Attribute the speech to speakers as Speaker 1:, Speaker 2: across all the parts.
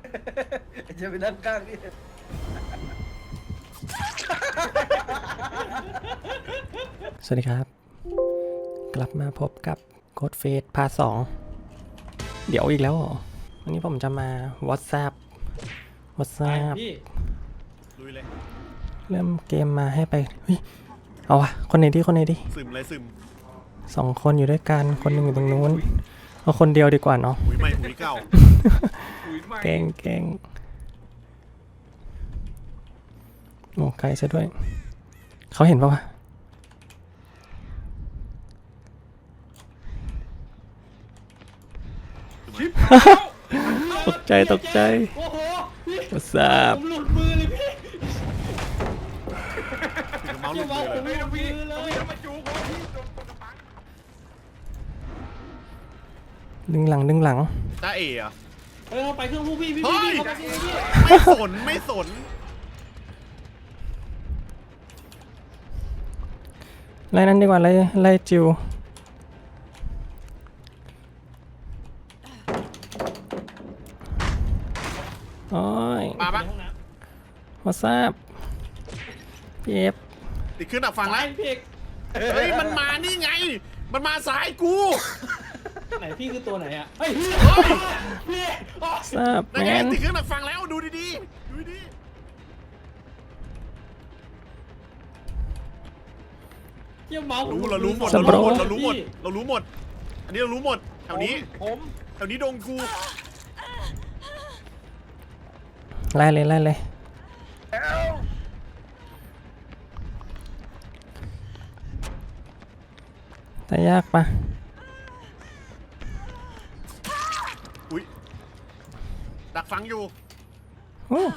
Speaker 1: จะไปนั่งข้างนี่
Speaker 2: สวัสดีครับกลับมาพบกับโค้ดเฟสพาร์ท 2เดี๋ยวอีกแล้วเหรอวันนี้ผมจะมา WhatsApp
Speaker 3: พี่ลุยเลย
Speaker 2: เริ่มเกมมาให้ไปเฮ้ยเอาวะคนไหนดี
Speaker 3: ซึมเลยซึม
Speaker 2: 2 คนอยู่ด้วยกันคนหนึ่งอยู่ตรงนู้นเอาคนเดียวดีกว่าเนาะ
Speaker 3: หุยใหม่หุยเก่า
Speaker 2: เก่งโอ้ไกลซะด้วยเขาเห็นปะวะตกใจ
Speaker 1: โอ้โหพี่
Speaker 2: WhatsApp
Speaker 1: ผมหลุดมือเลยพี่
Speaker 3: ถึงเมาส์หลุด
Speaker 1: ผม
Speaker 3: มือเลย
Speaker 1: หลุดมือเลยมาจูบพี่
Speaker 2: ดึงหลัง
Speaker 3: จ้าเอ๋อะ
Speaker 1: เฮ้ยเขาไปเครื่องผู้พี่เขาไปเครื่องพี่
Speaker 3: ไม่สน
Speaker 2: ไล่นั้นดีกว่าไล่จิวโอ้ย
Speaker 3: มาปะ
Speaker 2: WhatsApp พี่เอฟ
Speaker 3: ติดขึ้นดับฟัง
Speaker 1: ไล่
Speaker 3: แล้ว
Speaker 1: พี่
Speaker 3: เฮ้ยมันมานี่ไงมันมาสายกู
Speaker 1: ไหนพี่คือตัวไหนอ่ะเฮ้ยพี่
Speaker 2: WhatsApp
Speaker 3: นั่น
Speaker 2: แม
Speaker 3: ไง
Speaker 2: น
Speaker 3: ติดขึ้นดับฟังแล้วดูดีๆ
Speaker 1: เยี่ยมเมาส์
Speaker 3: เรารู้หมด
Speaker 1: พี่
Speaker 3: อันนี้เรารู้หมดแถวนี้ดงกู
Speaker 2: ไล่เลยแต่ยากปะ
Speaker 3: อุ้ยดักฟังอยู่
Speaker 2: โอ้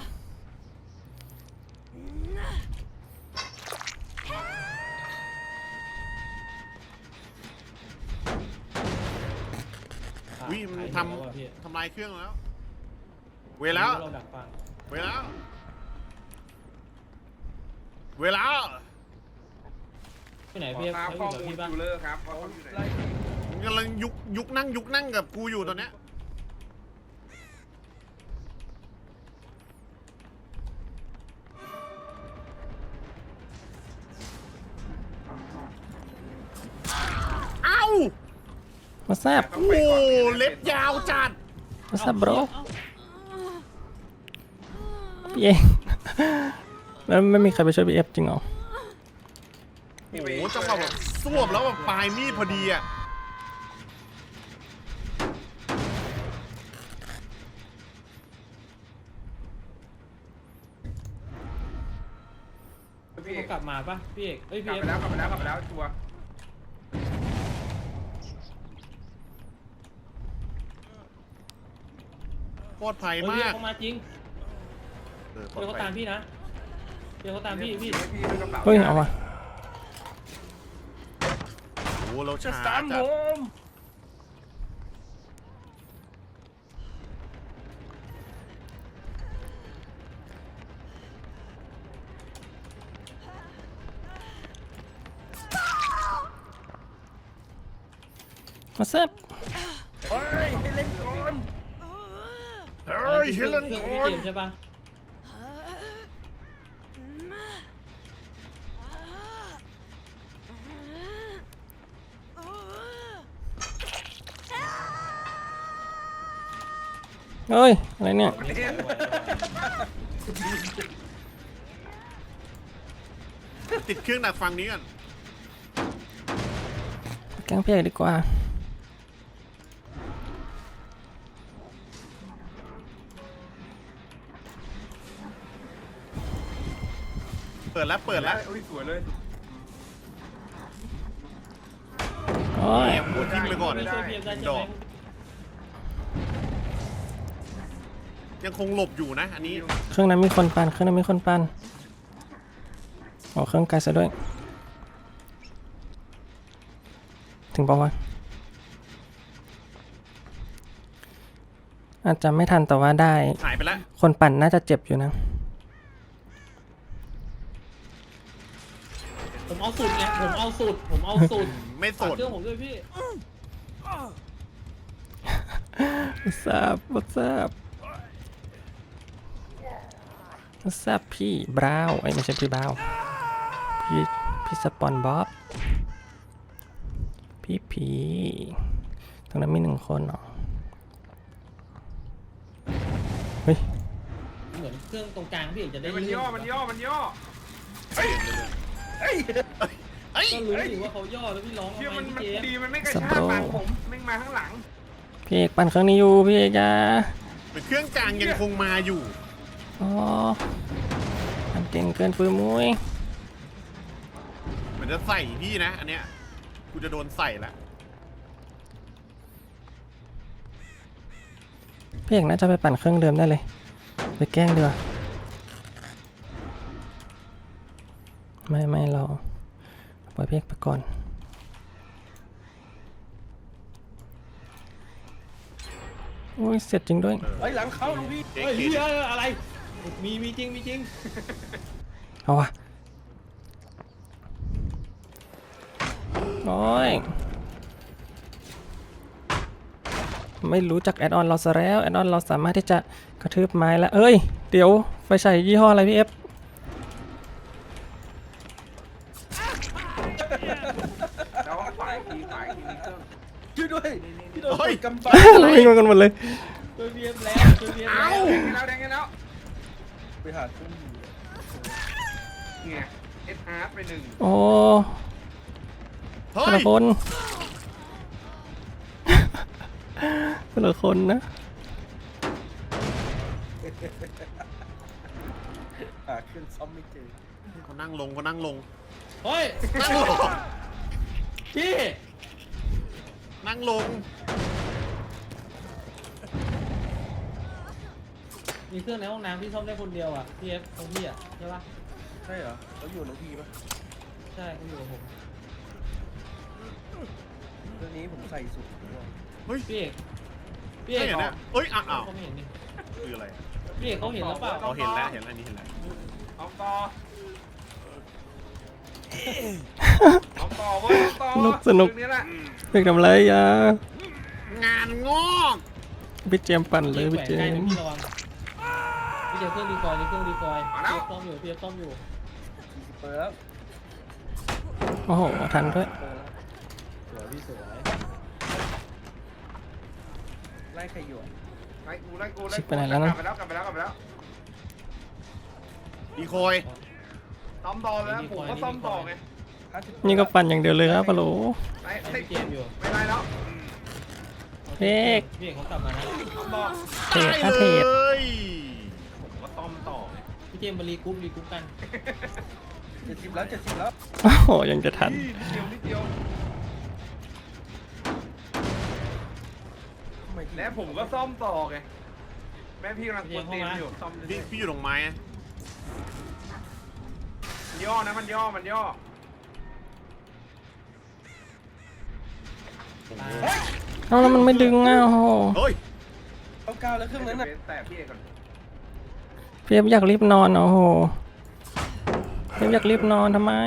Speaker 3: มันทำลายเครื่องแล้วเวลาไป
Speaker 1: ไหนพี่เขาอยู่กับพี่บ้าง
Speaker 3: กำลังยุกนั่งกับกูอยู่ตอนเนี้ยเอ้า
Speaker 2: WhatsApp
Speaker 3: โอ้เล็บยาวจัด
Speaker 2: WhatsApp bro พี่เองแล้วไม่มีใครไปช่วยพี่เอฟจริงเหรอ
Speaker 3: โอ้โหจังหวะแบบสวบแล้วแบบปลายมีดพอดีอ่ะ
Speaker 1: พี่กลับมาปะพี่เอกเอ้ยพี่เอก
Speaker 4: กลับไปแล้วชัวร์
Speaker 3: ปลอดภัย
Speaker 1: พี่
Speaker 3: มา
Speaker 1: เอก
Speaker 3: ก
Speaker 1: เขามาจริงเดี๋ยวเขาตามพี่นะเดี๋ยวเขาตามพี่
Speaker 2: เฮ้ยเอาวะ
Speaker 3: โอ้เราช้า
Speaker 4: ตาม
Speaker 3: จั
Speaker 4: ผ
Speaker 3: ด
Speaker 4: ม
Speaker 2: WhatsApp
Speaker 4: เฮ้ยให้เล่นก่อน
Speaker 3: เฮ้ยเฮเลน
Speaker 1: เครื่อง
Speaker 3: ก่
Speaker 1: พี่
Speaker 3: อน
Speaker 1: เกมใช่ปะ
Speaker 2: เฮ้ยอะไรเนี่ย
Speaker 3: ติดเครื่องดักฟังนี้ก่อน
Speaker 2: แกล้งพี่เอกดีกว่า
Speaker 3: เปิดแล้ว
Speaker 4: โอ้ยสวยเลย
Speaker 2: โอ้ย
Speaker 3: แอบหัวทิ้งไปก่อน
Speaker 1: ไม่ช่วยพี่เอกได้ใช่
Speaker 3: ด
Speaker 1: ไห
Speaker 3: อ
Speaker 1: ม
Speaker 3: กยังคงหลบอยู่นะอันนี้
Speaker 2: เครื่องนั้นมีคนปั่นโอ้เครื่องไกลซะด้วยถึงปะวะอาจจะไม่ทันแต่ว่าได้
Speaker 3: หายไปแล้ว
Speaker 2: คนปั่นน่าจะเจ็บอยู่นะ
Speaker 1: ผมเอาสุดไงผมเอาสุด
Speaker 3: ไม่ส
Speaker 1: ฝาก
Speaker 3: น
Speaker 1: เครื่องผมด้วยพี่
Speaker 2: WhatsApp แซ่บพี่บราวน์ไอ้ยไม่ใช่พี่บราวน์พี่สปอนบ๊อบพี่ผีตรงนั้นมี1 คนเหรอเฮ้ย
Speaker 1: เหมือนเครื่องตรงกลางพี่เอกจะได้
Speaker 4: มัน
Speaker 1: ลื่น
Speaker 4: ย่อมันย่อมันย่อ
Speaker 3: เฮ้ย
Speaker 1: ก็รู้อยู่ว่าเขาย่อแล้วพี่ร้อง
Speaker 4: เชื่อ
Speaker 1: ทำไม
Speaker 4: มัน
Speaker 1: พี่เจม
Speaker 4: ดีมันไม่กระชากหลังผมแม่งมาข้างหลัง
Speaker 2: พี่เอกปั่นเครื่องนี้อยู่พี่เอกจ้า
Speaker 3: เป็นเครื่องกลางยังคงมาอยู่
Speaker 2: อ๋อมันเก่งเกินฟืนมุ้ย
Speaker 3: เหมือนจะใส่พี่นะอันเนี้ยกูจะโดนใส่แล้ว
Speaker 2: พี่เอกน่าจะไปปั่นเครื่องเดิมได้เลยไปแกล้งเดือไม่เราปล่อยพี่เอกไปก่อนโอ้ยเสร็จจริงด้วย
Speaker 5: เฮ้ยหลังเข้าลุงพี่
Speaker 3: เจ๊
Speaker 1: เฮ้ย
Speaker 3: เก
Speaker 1: เฮ้ยอะไรมีจริงมีจริง
Speaker 2: เอาวะโอ้ยไม่รู้จักแอดออนเราซะแล้วแอดออนเราสามารถที่จะกระทืบไม้แล้วเอ้ยเดี๋ยวไฟฉายยี่ห้ออะไรพี่เอฟ
Speaker 4: แล้วฝ่ายทีเครื่อง
Speaker 5: ช่วยด้วยพี่โดนกำปั้
Speaker 2: เราวิ่งมากันหมดเลย
Speaker 1: ช่วยเบียมแล้วช่วยเบียม
Speaker 3: เอ้า
Speaker 4: แดงกันแล้ว
Speaker 5: ไปหาเครื่อง
Speaker 4: เนี่ยเอสอาร์ไปหนึ่ง
Speaker 2: โอ้
Speaker 3: เฮ้
Speaker 2: แต่
Speaker 3: ย
Speaker 2: ละคนแต่ละคนนะ
Speaker 5: หาเครื่องซ่อมไม่เจอ
Speaker 3: เขานั่งลงเขานั่งลง
Speaker 1: เฮ้ย
Speaker 3: นั่งลง
Speaker 1: พี่
Speaker 3: นั่งลง
Speaker 1: มีเครื่องในห้องน้ำพี่ซ่อมได้คนเดียวอ่ะพี่เอฟของพี่อ่ะใช่ปะ
Speaker 5: ใช่เหรอเขาอยู่น้องพี่ปะ
Speaker 1: ใช่เขาอยู่กับผม
Speaker 5: เรื่องนี้ผมใส่สุด
Speaker 3: เฮ้ย
Speaker 1: พี่เอกพี่
Speaker 3: ใช่
Speaker 1: เอก
Speaker 3: เหรอเนี่ยเอ้ยอ้าว
Speaker 1: เขาไม่เห็นนี่
Speaker 3: คืออะไรอะ
Speaker 1: พี่เอกเขาเห็นแล้วเปล่า
Speaker 3: เขาเห็นแล้วเห็นแล้วนี่เห็นแล้ว
Speaker 4: เอาต่อเอาต่อเว้ยต่อนี้แหละ
Speaker 2: เพี่ทำอะไรอ่ะ
Speaker 3: งานงอก
Speaker 2: พี่เจมส์ปั่นเลย
Speaker 1: แหว
Speaker 2: พี่
Speaker 1: น
Speaker 2: เจ
Speaker 1: ใกล้
Speaker 2: ม
Speaker 1: นะ
Speaker 2: ส์
Speaker 1: พี่ระวังพี่เจมส์เครื่องดีคอยเครื่องดีคอยพี่เอฟซ่อมอยู่พี่เอฟซ่อมอยู่
Speaker 5: เปิดแล้ว
Speaker 2: โอ้โหทันด้วย
Speaker 1: สวยพี่สวย
Speaker 5: ไล่ใครอยู่อ่ะ
Speaker 4: ไล่กูกลับไปแล้ว
Speaker 3: ดีคอย
Speaker 4: ซ้อมต่อแล้วผมก็ซ้อมต่อไง
Speaker 2: นี่ก็ปั่นอย่างเดียวเลยครับปะโหล
Speaker 4: ไล่
Speaker 1: พี่เจมส์อยู่
Speaker 4: ไม่ไล่แล้ว
Speaker 2: พี่เอก
Speaker 1: พี่เอกเขากลับมานะ
Speaker 4: ซ้อมต่อ
Speaker 2: เทรดครับเทรด
Speaker 3: เลย
Speaker 4: ผมก็ซ้อมต่อ
Speaker 1: พี่เจมส์มารีกรุ๊ปกัน
Speaker 5: 70แล้ว70แล้ว
Speaker 2: โอ้โหยังจะทัน
Speaker 4: นิดเดียว
Speaker 5: ทำไม
Speaker 4: และผมก็ซ่อมต่อไงแม่พี่กำลังกดเตียงอยู่ซ่อม
Speaker 3: พี่อยู่ตรงไม้อะ
Speaker 4: ย่อนะมันย่อ
Speaker 2: เอาแล้วมันไม่ดึงอ่ะโอ้โห
Speaker 3: เฮ้ย
Speaker 5: เอาก้าวแล้วเครื่องนั้นน่ะ
Speaker 4: แต่พี่เอกก่อน
Speaker 2: พี่เอฟอยากรีบนอนโอ้โหพี่เอฟอยากรีบนอนทำไม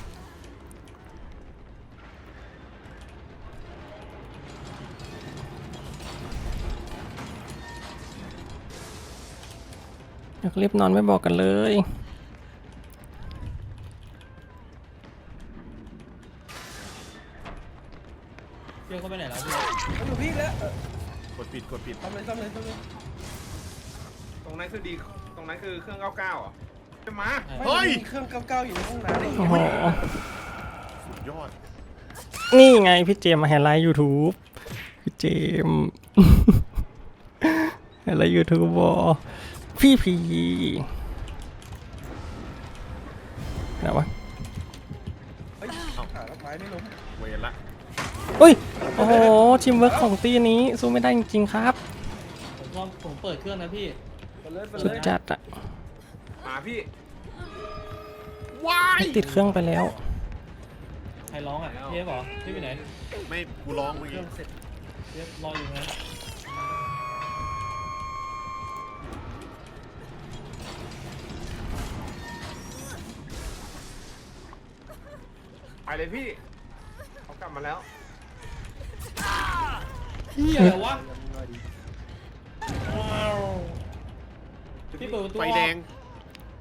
Speaker 2: อยากรีบนอนไม่บอกกันเลย
Speaker 1: เพี่เอกเขาไปไหนแล้วพี่
Speaker 5: เขาอยู่พี่แล้ว
Speaker 3: กดปิด
Speaker 5: ทำเลย
Speaker 4: ตรงนั้นคือดีตรงนั้นคือเครื่อง99อ่ะจะมา
Speaker 3: เฮ้ย
Speaker 5: มีเครื่อง99อยู่ในห้องน้ำเลย
Speaker 2: โอ้โห
Speaker 3: สุดยอด
Speaker 2: นี่ไงพี่เจมส์มาไฮไลท์ YouTube พี่เจมส์ ไฮไลท์ YouTube บอพี่พีไหนวะ
Speaker 5: เฮ้ยหาดอกไม้ไม่ล้ม
Speaker 3: เวรละ
Speaker 2: อุ้ยโอ้โหทีมเวิร์กของตีนี้สู้ไม่ได้จริงๆครับ
Speaker 1: ผมเปิดเครื่องนะพี่
Speaker 5: ไปเลย
Speaker 2: สุดจัดอะ
Speaker 4: มาพี่
Speaker 3: ว้าย
Speaker 2: ติดเครื่องไปแล้ว
Speaker 1: ใครร้องอ่ะพี่เอฟเหรอพี่ไปไหน
Speaker 3: ไม่กูร้องเมื่อ
Speaker 5: เครื่
Speaker 3: กี้
Speaker 5: องเสร็จ
Speaker 1: พี่เอฟรออยู่นะ
Speaker 4: ไปเลยพี่เขากลับมาแล้ว
Speaker 1: พี่อะไรวะ
Speaker 5: ยังหน่อยดี
Speaker 1: พี่เปิดประตู
Speaker 3: ไฟแดง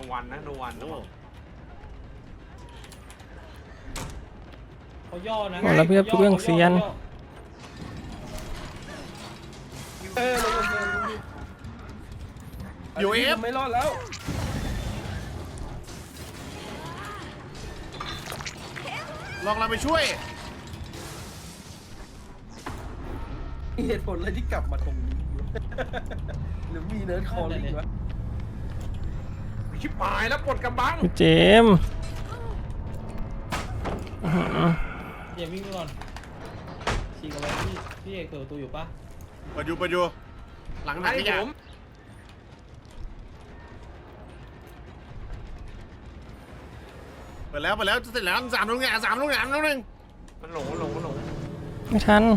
Speaker 4: วันนะโนวัน
Speaker 3: โอ้
Speaker 1: เขาย่อนะ
Speaker 2: โอ้แล้วพี่เรื่องเซียน
Speaker 5: เออลงมาเลย
Speaker 3: อยู่เอฟ
Speaker 5: ไม่รอดแล้ว
Speaker 3: ลองเราไปช่วย
Speaker 5: มีเหตุผลอะไรที่กลับมาตรงนี้วะ หรือมีเนิร์ดคอร์ลิ่งวะ
Speaker 4: ชิบหายแล้วปลดกระบัง
Speaker 2: พี่เจมส์อื้อหือ
Speaker 1: เดี๋ยววิ่งไปก่อนฉีกเอาไว้พี่เอกเปิดประตูอยู่ปะ
Speaker 3: เปิดอยู่หลังไหน
Speaker 4: ไอ้
Speaker 3: เนี่ย
Speaker 4: ผม
Speaker 3: เปิดแล้วจะเสร็จแล้ว3 ลูกเนี่ย3 ลูกเนี่ย3 ลูกหนึ่ง
Speaker 4: มันหลง
Speaker 2: ไม่ทัน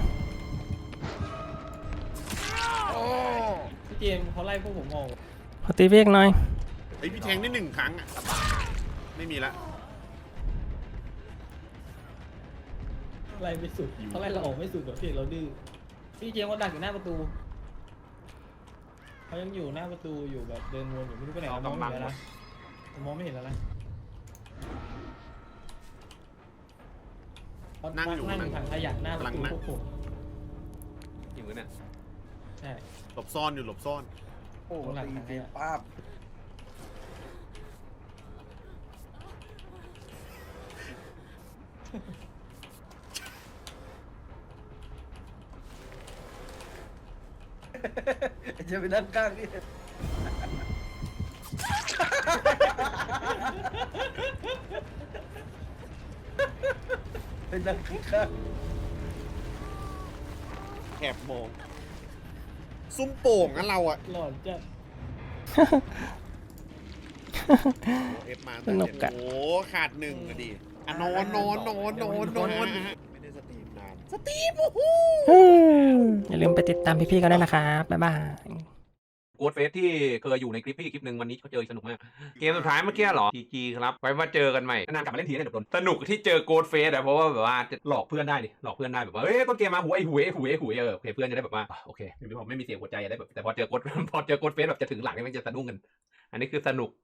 Speaker 3: โอ้
Speaker 1: พี่เจมส์เขาไล่พวกผมออก
Speaker 2: ขอตีพี่เอกหน่อย
Speaker 3: ไอพี่แทงได้1 ครั้งอะไม่มีละ
Speaker 1: ไล่ไม่สุดเขาไล่เราออกไม่สุดหรอกพี่เราดื้อพี่เจมส์เขาดักอยู่หน้าประตูเขายังอยู่หน้าประตูอยู่แบบเดินวนอยู่ไม่รู้ไปไหนมองไม่เห็นแล้วนะมองไม่เห็นแล้วนะนั่งอยู่ถังขยะหน้าประตูพวกผม
Speaker 4: อยู่เนี่ย
Speaker 1: ใช่
Speaker 3: หลบซ่อนอยู่หลบซ่อน
Speaker 5: โอ้โหตีเกมป้าบจะไปนั่งข้างนี่ไปนั่งข้าง
Speaker 3: แอบมองซุ้มโป่งงั้นเราอะ
Speaker 1: หลอนจะ
Speaker 3: เอฟมา
Speaker 2: สนุกอะ
Speaker 3: โอ้ขาด1อะดิอ่ะนอนไม่ได้สตรีมนานสตรีมโอ้โห
Speaker 2: อย่าลืมไปติดตามพี่ๆกันด้วยนะครับ บ๊ายบาย
Speaker 4: โกดเฟสที่เคยอยู่ในคลิปพี่คลิปหนึ่งวันนี้เขาเจอสนุกมาก เกมสุดท้ายเมื่อกี้เหรอ GG ครับ ไว้มาเจอกันใหม่นานกลับมาเล่นทีได้เดี๋ยวโดนสนุกที่เจอโกดเฟสอะเพราะว่าแบบว่าจะหลอกเพื่อนได้ดิหลอกเพื่อนได้แบบว่าเฮ้ยต้นเกมมาไอ้หูโอเคเพื่อนจะได้แบบว่าโอเคไม่มีเสียงหัวใจจะได้แบบแต่พอเจอโกดเฟสแบบจะถึงหลังนี่มันจะสะดุ้งกัน อันนี้คือสนุก